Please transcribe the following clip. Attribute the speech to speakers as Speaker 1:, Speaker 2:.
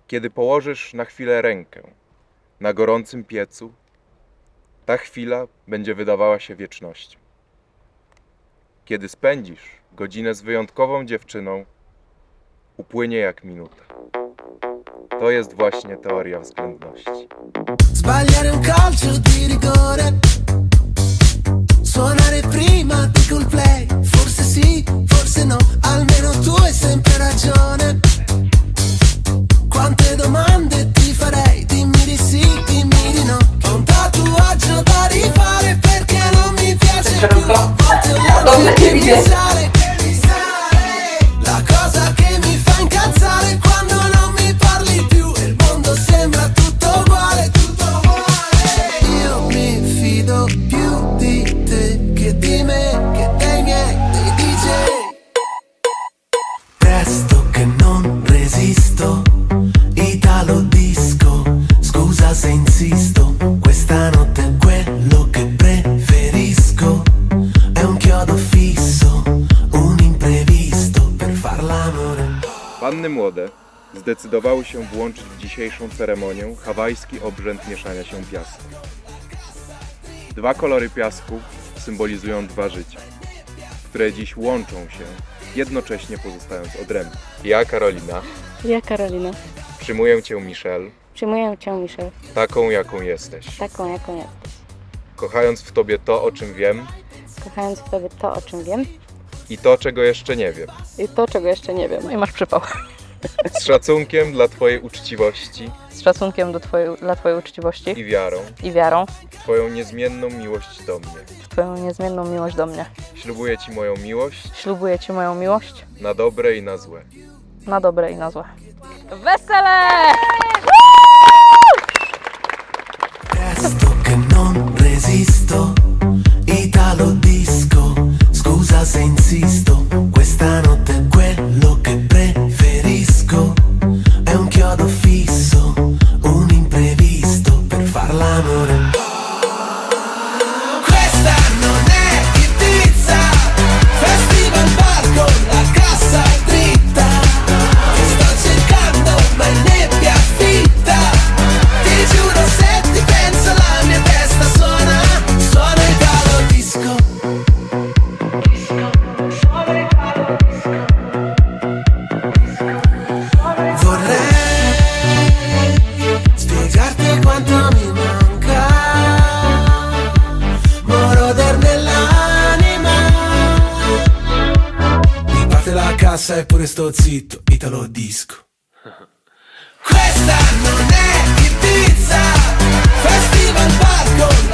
Speaker 1: Kiedy położysz na chwilę rękę na gorącym piecu, ta chwila będzie wydawała się wiecznością. Kiedy spędzisz godzinę z wyjątkową dziewczyną, upłynie jak minuta. To jest właśnie teoria względności.
Speaker 2: Sbagliare un calcio di rigore, suonare prima di Coldplay, forse sì, forse no, almeno tu hai sempre ragione. Quante domande ti farei, dimmi di sì, dimmi di no. Ho un tatuaggio da rifare perché non mi piace più. A volte ho l'ansia che mi sale, la cosa che mi fa incazzare quando non mi parli più e il mondo sembra tutto uguale, tutto uguale. Io mi fido più di te che di me, che dei miei, dei DJ. Presto che non resisto, Italo disco, scusa se insisto, questa notte è quello che preferisco, è un chiodo fisso, un imprevisto per far l'amore.
Speaker 1: Panny młode zdecydowały się włączyć w dzisiejszą ceremonię hawajski obrzęd mieszania się piasku. Dwa kolory piasku symbolizują dwa życia, które dziś łączą się, jednocześnie pozostając odrębne. Ja, Karolina,
Speaker 3: Ja, Karolina.
Speaker 1: przyjmuję Cię, Michelle,
Speaker 3: Przyjmuję Cię, Michelle,
Speaker 1: taką jaką jesteś,
Speaker 3: taką, jaką jesteś.
Speaker 1: kochając w Tobie to, o czym wiem
Speaker 3: Kochając w Tobie to, o czym wiem
Speaker 1: i to, czego jeszcze nie wiem.
Speaker 3: i to, czego jeszcze nie wiem. No i masz przypał.
Speaker 1: Z szacunkiem dla Twojej uczciwości
Speaker 3: Z szacunkiem dla Twojej uczciwości
Speaker 1: i
Speaker 3: i wiarą
Speaker 1: w Twoją niezmienną miłość do mnie.
Speaker 3: w Twoją niezmienną miłość do mnie.
Speaker 1: Ślubuję Ci moją miłość
Speaker 3: Ślubuję Ci moją miłość
Speaker 1: na dobre i na złe.
Speaker 3: na dobre i na złe. Wesele!
Speaker 2: Presto che non resisto, Italo disco, scusa se insisto, questa notte è quello che preferisco, è un chiodo fisso, un imprevisto per far l'amore. Questa non è Ibiza, festival bar con la cassa dritta, ti sto cercando ma è nebbia fitta, ti giuro se ti penso la mia testa suona, suona Italo disco. Vorrei spiegarti quanto mi manca, moroder nell'anima. Mi parte la cassa e pure sto zitto, Italo disco. Questa non è Ibiza, festival bar con